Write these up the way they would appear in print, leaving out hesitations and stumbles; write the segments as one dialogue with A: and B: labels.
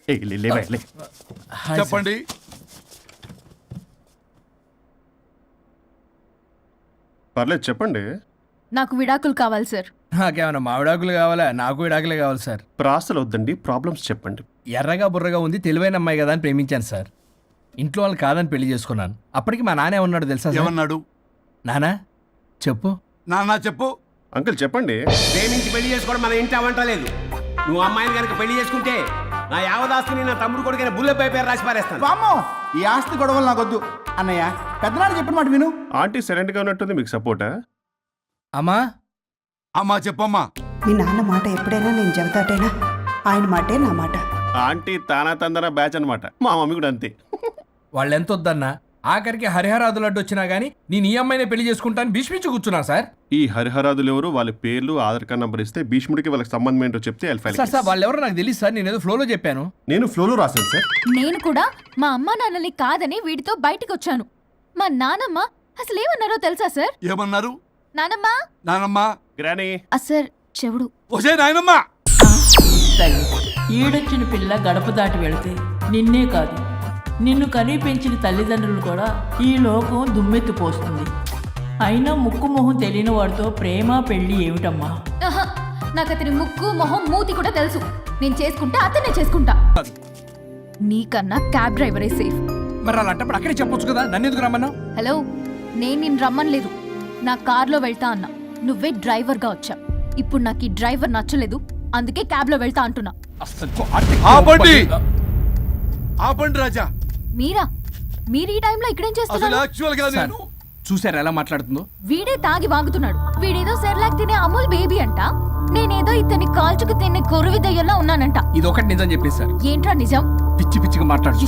A: చెప్పండి.
B: పర్లేదు చెప్పండి.
C: నాకు విడాకులు కావాలి సార్.
D: నాకేమన్నా మా విడాకులు కావాలా? నాకు విడాకులే కావాలి సార్.
B: ప్రాసలు వద్దండి, ప్రాబ్లమ్స్ చెప్పండి.
D: ఎర్రగా బుర్రగా ఉంది, తెలివైన అమ్మాయి కదా అని ప్రేమించాను సార్. ఇంట్లో వాళ్ళు కాదని పెళ్లి చేసుకున్నాను. అప్పటికి మా నాన్న ఏమన్నాడు తెలుసా సార్?
A: ఏమన్నాడు?
D: నానా చెప్పు.
A: నాన్న చెప్పు.
B: అంకుల్ చెప్పండి.
E: ప్రేమించి పెళ్లి చేసుకోవడం మన ఇంటి అవంటలేదు. నువ్వు అమ్మాయిని కనుక పెళ్లి చేసుకుంటే నా యావదాస్తిని నా తమ్ముడు కొడుకైన బుల్లెపై పేరు రాసి పారేస్తాను.
F: వామ్మో, ఈ ఆస్తి గొడవలు నాకొద్దు. అన్నయ్య, పెద్దనాడు చెప్పిన మాట విను.
B: ఆంటీ సైలెంట్ గా ఉన్నట్టుంది, మీకు సపోర్టా?
D: అమ్మా
A: అమ్మా చెప్పమ్మా.
G: మీ నాన్న మాట ఎప్పుడైనా నేను చెబుతాటేనా? ఆయన మాటే నా మాట.
B: ఆంటీ తానా తందన బ్యాచ్ అనమాట. మా మమ్మీ కూడా అంతే.
D: వాళ్ళు ఎంత వద్దన్నా ఆఖరికి హరిహరాదులు అడ్డు వచ్చినా గానీ నేను ఈ అమ్మాయినే పెళ్లి చేసుకుంటాను భీష్మించి కూర్చున్నా సార్.
B: ఈ హరిహరాదులు ఎవరు, వాళ్ళ పేర్లు ఆధార్ కార్డ్ నంబర్ ఇస్తే భీష్ముడికి వాళ్ళకి సంబంధం ఏంటో చెప్తే
D: సార్ వాళ్ళు ఎవరో నాకు తెలియదు సార్. నేను ఏదో ఫ్లోలో చెప్పాను.
B: నేను ఫ్లోలో రాశాను సార్.
C: నేను కూడా మా అమ్మా నాన్నని కాదని వీడితో బయటికి వచ్చాను. మా నానమ్మ అసలు ఏమన్నారో తెలుసా సార్?
A: ఏమన్నారు?
C: నానమ్మ
A: నానమ్మా.
B: గ్రానీ.
C: సార్ చెవుడు.
A: ఒసే నాయనమ్మా.
H: తల్లి ఈడొచ్చిన పిల్ల గడప దాటి వెళితే నిన్నే కాదు నిన్ను కనీ పెంచిన తల్లిదండ్రులు కూడా ఈ లోకం దుమ్మెత్తిపోస్తుంది. అయినా ముక్కు మొహం తెలియని వాడితో ప్రేమ పెళ్లి ఏమిటమ్మా?
C: నాకు అతని ముక్కు మొహం మూతి కూడా తెలుసు. నేను చేసుకుంటా, అతనే చేసుకుంటా. నీకన్నా క్యాబ్ డ్రైవరే సేఫ్.
D: మరి అలాంటప్పుడు అక్కడే చెప్పొచ్చు కదా, నన్ను ఎందుకు రమ్మన్నావు?
C: హలో, నేను నిన్ను రమ్మనలేదు. నా కార్లో వెళ్తా అన్నా, నువ్వే డ్రైవర్గా వచ్చా. ఇప్పుడు నాకు ఈ డ్రైవర్ నచ్చలేదు, అందుకే క్యాబ్లో వెళ్తా అంటున్నా.
A: ఆపండి ఆపండి రాజా.
C: మీరా? మీరు ఈ టైంలో ఇక్కడేం చేస్తున్నారు?
D: చూసారా ఎలా మాట్లాడుతుందో?
C: వీడే తాగి వాగుతున్నాడు. వీడేదో సెర్లాక్ తినే అమూల్ బేబీ అంట, నేనేదో ఇతన్ని కాల్చుకు తినే కొరువి దయ్యంలో ఉన్నానంట.
D: ఇది ఒకటి నిజం చెప్పేశారు.
C: ఏంట్రా నిజం?
D: పిచ్చి పిచ్చిగా మాట్లాడు.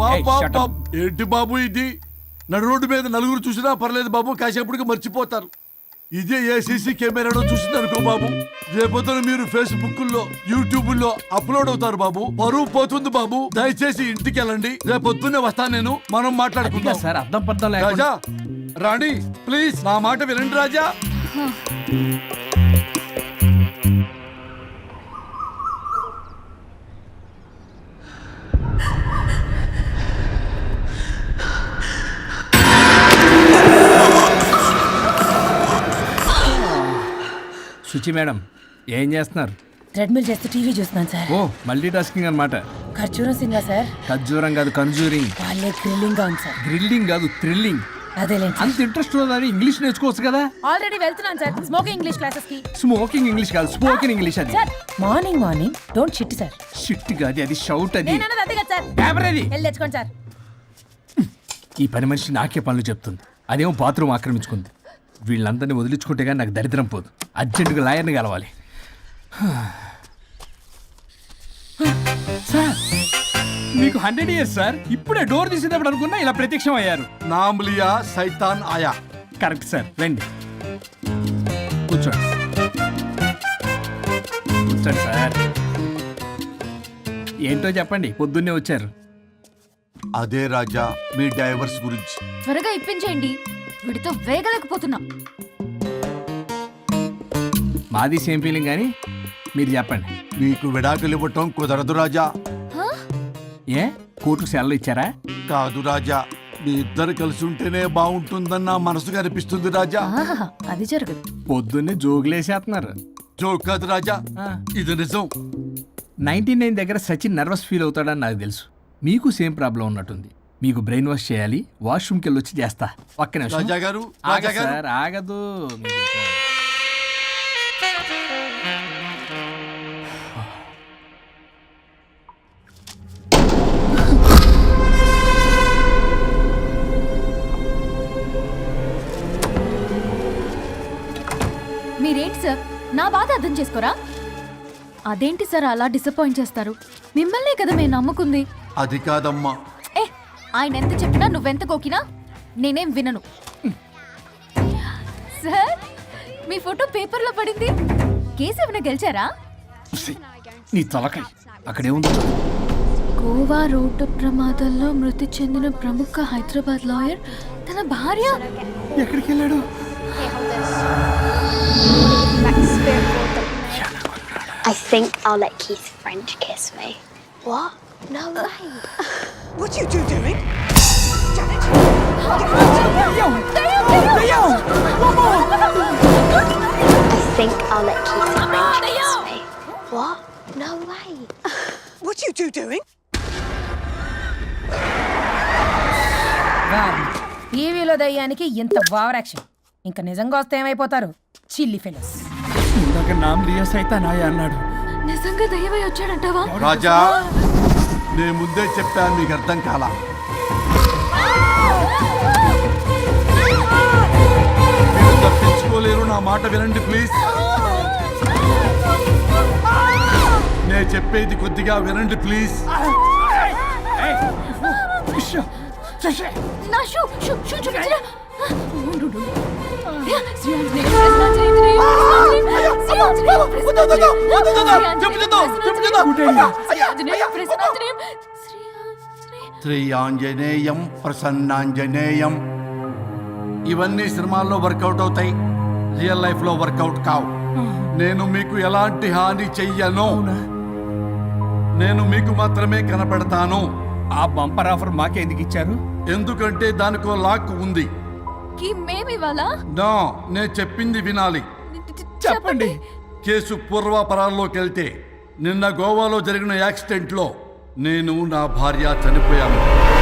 A: ఏంటి బాబు ఇది? నడు రోడ్డు మీద నలుగురు చూసినా పర్లేదు బాబు, కాసేపటికి మర్చిపోతారు. ఇదే ఏ సీసీ కెమెరాలో చూసింది అనుకో బాబు, రేపొద్దున మీరు ఫేస్బుక్ లో యూట్యూబ్ లో అప్లోడ్ అవుతారు బాబు. పరువు పోతుంది బాబు. దయచేసి ఇంటికి వెళ్ళండి, రేపొద్దునే వస్తాను నేను, మనం మాట్లాడుకుందాం.
D: సార్ అర్థం పర్థం
A: రాజా రాణి ప్లీజ్ నా మాట వినండి రాజా.
D: శుచి మేడం ఏం చేస్తున్నారు?
H: ట్రెడ్మిల్ చేస్తూ టీవీ చూస్తున్నాను సార్.
D: ఓ మల్టీ టాస్కింగ్ అనమాట.
H: ఖర్జూరం సింగా సార్.
D: ఖర్జూరం కాదు, కన్జూరింగ్.
H: వాళ్ళే గ్రిల్లింగ్ గా ఉంది సార్.
D: గ్రిల్లింగ్ కాదు, థ్రిల్లింగ్.
H: అదేలేండి.
D: అంత ఇంట్రెస్ట్ ఉన్నదని ఇంగ్లీష్ నేర్చుకోవచ్చు కదా.
H: ఆల్రెడీ వెళ్తున్నాను సార్ స్మోకింగ్ ఇంగ్లీష్ క్లాసెస్ కి.
D: స్మోకింగ్ ఇంగ్లీష్ కాదు, స్పోకెన్ ఇంగ్లీష్. అది
H: sir morning don't shit sir.
D: Shit కాదు, అది షౌట్. అది
H: నేనన్నది అదే కదా సార్.
D: పేపర్ అది.
H: వెళ్ళి తెచ్చుకోండి సార్.
D: ఈ పని మనిషి నాకే పనులు చెప్తుంది, అదేమో బాత్రూమ్ ఆక్రమించుకుంది. వీళ్ళందరినీ వదిలించుకుంటే కానీ నాకు దరిద్రం పోదు. అర్జెంటుగా లాయర్ని కలవాలి. సార్ మీకు 100 years సార్. ఇప్పుడే డోర్ తీసేటప్పుడు అనుకున్నా ఇలా ప్రత్యక్షం అయ్యారు.
A: నామ్లియా సైతాన్ ఆయా.
D: కరెక్ట్ సార్, రండి కూర్చోండి. కూర్చోండి సార్. ఏంటో చెప్పండి, పొద్దున్నే వచ్చారు.
A: అదే రాజా మీ డైవర్స్ గురించి.
C: త్వరగా ఇప్పించేయండి, వీడితో వేగలేకపోతున్నా.
D: మాది సేమ్ ఫీలింగ్ కానీ మీరు చెప్పండి.
A: మీకు విడాకులు ఇవ్వటం కుదరదు రాజా.
D: ఏ కోర్టుకు సెలవు ఇచ్చారా?
A: కాదు రాజా, మీ ఇద్దరు కలిసి ఉంటేనే బాగుంటుందని నా మనసుకు అనిపిస్తుంది రాజా.
C: అది జరగదు.
D: పొద్దున్నే జోగులేసేస్తున్నారు.
A: జోక్ కాదు రాజా, ఇది నిజం.
D: 99 దగ్గర సచిన్ నర్వస్ ఫీల్ అవుతాడని నాకు తెలుసు. మీకు సేమ్ ప్రాబ్లం ఉన్నట్టుంది. మీకు బ్రెయిన్ వాష్ చేయాలి, వాష్రూమ్కి వెళ్ళి వచ్చి చేస్తా. ఒక్క నిమిషం
A: రాజా గారు.
D: సార్ ఆగదు.
C: మీరేంటి సార్ నా బాధ అర్థం చేసుకోరా? అదేంటి సార్ అలా డిసప్పాయింట్ చేస్తారు? మిమ్మల్నే కదా మేము నమ్ముకుంది.
A: అది కాదమ్మా.
C: ఆయన ఎంత చెప్పినా నువ్వెంత కోకినా నేనేం వినను. సార్ మీ ఫోటో పేపర్లో పడింది. కేసు ఏమైనా గెలిచారా?
D: నీ తలకాయ అక్కడే ఉంది.
C: గోవా రోడ్డు ప్రమాదంలో మృతి చెందిన ప్రముఖ హైదరాబాద్ లాయర్ తన భార్య
D: ఎక్కడికి వెళ్ళాడు?
I: I think I'll let Keith's friend kiss me. What? No way.
G: What are you two doing? Janet!
I: I think I'll let Keith arrange this way. What? No way.
G: What are you two doing?
J: టీవీలో దయ్యానికి ఇంత over action. ఇంకా నిజంగా వస్తే ఏమైపోతారు? చిల్లి fellows.
D: ఇందాక నామ్ లియా సైతానాయ అన్నాడు.
C: నిజంగా దయ్యమై వచ్చాడంటావా?
A: రాజా నేను ముందే చెప్పాను, మీకు అర్థం కాలా. మీరు తప్పించుకోలేరు, నా మాట వినండి ప్లీజ్. నేను చెప్పేది కొద్దిగా వినండి ప్లీజ్.
C: నా షూ చూపించరా?
A: శ్రీ ఆంజనేయం ప్రసన్నాంజనేయం. ఇవన్నీ సినిమాల్లో వర్కౌట్ అవుతాయి, రియల్ లైఫ్ లో వర్కౌట్ కావు. నేను మీకు ఎలాంటి హాని చెయ్యను. నేను మీకు మాత్రమే కనపడతాను.
D: ఆ బంపర్ ఆఫర్ మాకే ఎందుకు ఇచ్చారు?
A: ఎందుకంటే దానికో లాక్ ఉంది.
C: మేమివాలా?
A: నో, నేను చెప్పింది వినాలి.
D: చెప్పండి.
A: కేసు పూర్వాపరాల్లోకి వెళ్తే నిన్న గోవాలో జరిగిన యాక్సిడెంట్లో నేను నా భార్య చనిపోయాను.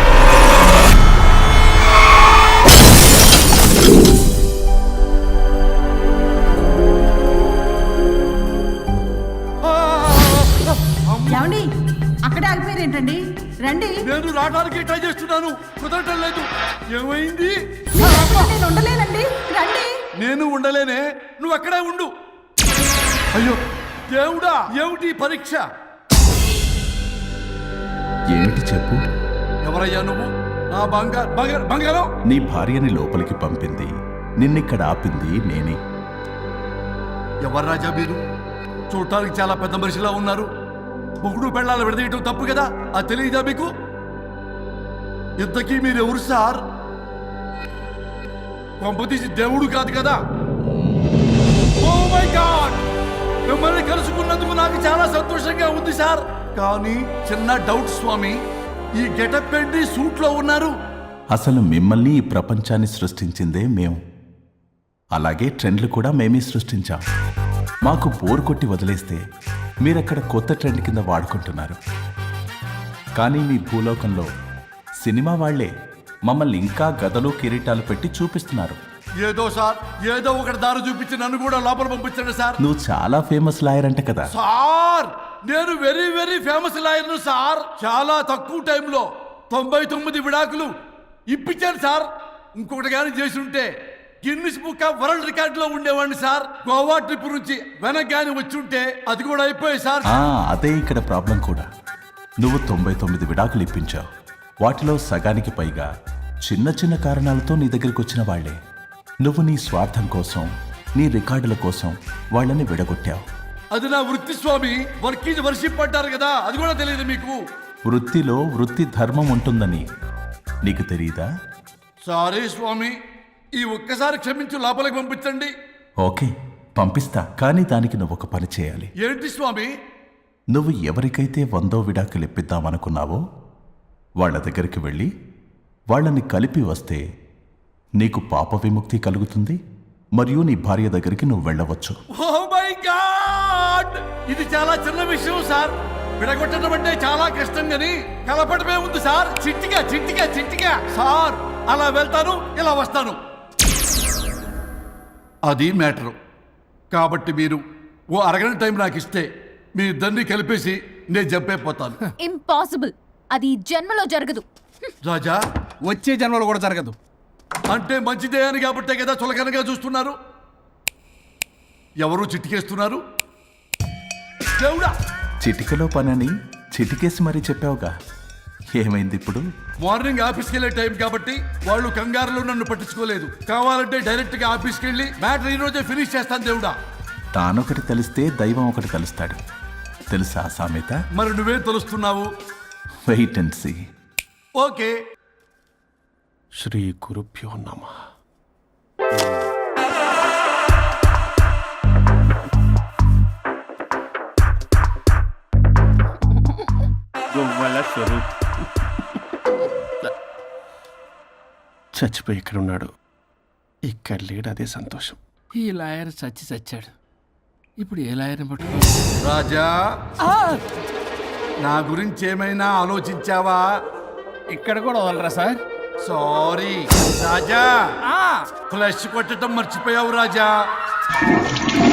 J: ఏమండి అక్కడే ఆగిపోయారు ఏంటండి? రండి.
A: నేను రావడానికి ట్రై చేస్తున్నాను, కుదరటం లేదు. ఏమైంది?
J: నేను ఉండలేనండి, రండి.
A: నేను ఉండలేనే, నువ్వు అక్కడే ఉండు. అయ్యో దేవుడా, ఏమిటి ఈ పరీక్ష?
K: ఏమిటి చెప్పు?
A: ఎవరయ్యా నువ్వు? నా బంగారం.
K: నీ భార్యని లోపలికి పంపింది, నిన్నిక్కడ ఆపింది నేనే.
A: ఎవరు రాజా మీరు? చూడటానికి చాలా పెద్ద మనిషిలా ఉన్నారు. ముగ్గురు పెళ్ళాలు విడదీయటం తప్పు కదా, అది తెలియదా మీకు? ఇంతకీ మీరు ఎవరు సార్? పంపతీసి దేవుడు కాదు కదా? ఓ మై గాడ్, మిమ్మల్ని కలుసుకున్నందుకు నాకు చాలా సంతోషంగా ఉంది సార్. కానీ చిన్న డౌట్ స్వామి, ఈ గెటప్ ఏంటి సూట్ లో ఉన్నారు?
K: అసలు మిమ్మల్ని ఈ ప్రపంచాన్ని సృష్టించిందే మేము. అలాగే ట్రెండ్లు కూడా మేమే సృష్టించాం. మాకు బోర్ కొట్టి వదిలేస్తే మీరక్కడ కొత్త ట్రెండ్ కింద వాడుకుంటున్నారు. కానీ మీ భూలోకంలో సినిమా వాళ్లే మమ్మల్ని ఇంకా గదలు కిరీటాలు పెట్టి చూపిస్తున్నారు.
A: ఏదో సార్, ఏదో ఒకటి దారి చూపించి నన్ను కూడా లోపల పంపించండి సార్.
K: నువ్వు చాలా ఫేమస్ లాయర్ అంట కదా?
A: సార్ నేను వెరీ వెరీ ఫేమస్ లాయర్ను సార్. చాలా తక్కువ టైంలో 99 విడాకులు ఇప్పించాను సార్. ఇంకొకటి కానీ చేసి ఉంటే గిన్నిస్ బుక్ ఆఫ్ వరల్డ్ రికార్డులో ఉండేవాడిని సార్. గోవా ట్రిప్ నుంచి వెనక్ కానీ వచ్చి ఉంటే అది కూడా అయిపోయాయి సార్.
K: అదే ఇక్కడ ప్రాబ్లం కూడా. నువ్వు 99 విడాకులు ఇప్పించావు. వాటిలో సగానికి పైగా చిన్న చిన్న కారణాలతో నీ దగ్గరికి వచ్చిన వాళ్లే. నువ్వు నీ స్వార్థం కోసం, నీ రికార్డుల కోసం వాళ్ళని విడగొట్టావు.
A: అది నా వృత్తి స్వామి. వర్క్ ఈజ్ వర్షిప్ అంటారు కదా, అది కూడా తెలియదు మీకు?
K: వృత్తిలో వృత్తి ధర్మం ఉంటుందని నీకు తెలియదా?
A: సారీ స్వామి, ఈ ఒక్కసారి క్షమించి లోపలికి పంపించండి.
K: ఓకే, పంపిస్తా. కానీ దానికి నువ్వు ఒక పని చేయాలి.
A: ఏంటి స్వామి?
K: నువ్వు ఎవరికైతే 100వ విడాకులు ఇప్పిద్దామనుకున్నావో వాళ్ళ దగ్గరికి వెళ్ళి వాళ్ళని కలిపి వస్తే నీకు పాప విముక్తి కలుగుతుంది. మరియు నీ భార్య దగ్గరికి నువ్వు వెళ్ళవచ్చు.
A: ఓ మై గాడ్, ఇది చాలా చిన్న విషయం సార్. విడగొట్టడం అంటే చాలా కష్టం గని కలపడమే ఉంది సార్. చిట్టిగా చిట్టిగా చిట్టిగా సార్. అలా వెళ్తాను, ఇలా వస్తాను, అది మ్యాటరు. కాబట్టి మీరు ఓ అరగంట టైం నాకు ఇస్తే మీ ఇద్దరిని కలిపేసి నేను జంపైపోతాను.
C: ఇంపాసిబుల్, అది ఈ జన్మలో జరగదు.
A: రాజా,
D: వచ్చే జన్మలో కూడా జరగదు.
A: అంటే మంచిదే అని కాబట్టే కదా చులకనగా చూస్తున్నారు. ఎవరు చిట్టికేస్తున్నారు? దేవుడా,
K: చిటికలో పనని చిటికేసి మరీ చెప్పావుగా, ఏమైంది ఇప్పుడు?
A: మార్నింగ్ ఆఫీస్కి వెళ్ళే టైం కాబట్టి వాళ్ళు కంగారులో నన్ను పట్టించుకోలేదు. కావాలంటే డైరెక్ట్ గా ఆఫీస్కి వెళ్ళి మ్యాటర్ ఈ రోజే ఫినిష్ చేస్తాను. దేవుడా,
K: తానొకటి తెలిస్తే దైవం ఒకటి కలుస్తాడు, తెలుసా సామెత?
A: మరి నువ్వేం తెలుస్తున్నావు?
K: Wait and see.
A: ఓకే.
B: శ్రీ గురుభ్యో నమః. గొవ్వల స్వరూప్ చచ్చిపోయి ఇక్కడ ఉన్నాడు. ఇక్కడ లేడు, అదే సంతోషం.
D: ఈ లాయర్ చచ్చాడు. ఇప్పుడు ఏ లాయర్ని పట్టుకో?
A: రాజా, నా గురించి ఏమైనా ఆలోచించావా?
D: ఇక్కడ కూడా వదలరా సార్?
A: సారీ రాజా, ఫ్లష్ కొట్టడం మర్చిపోయావు రాజా.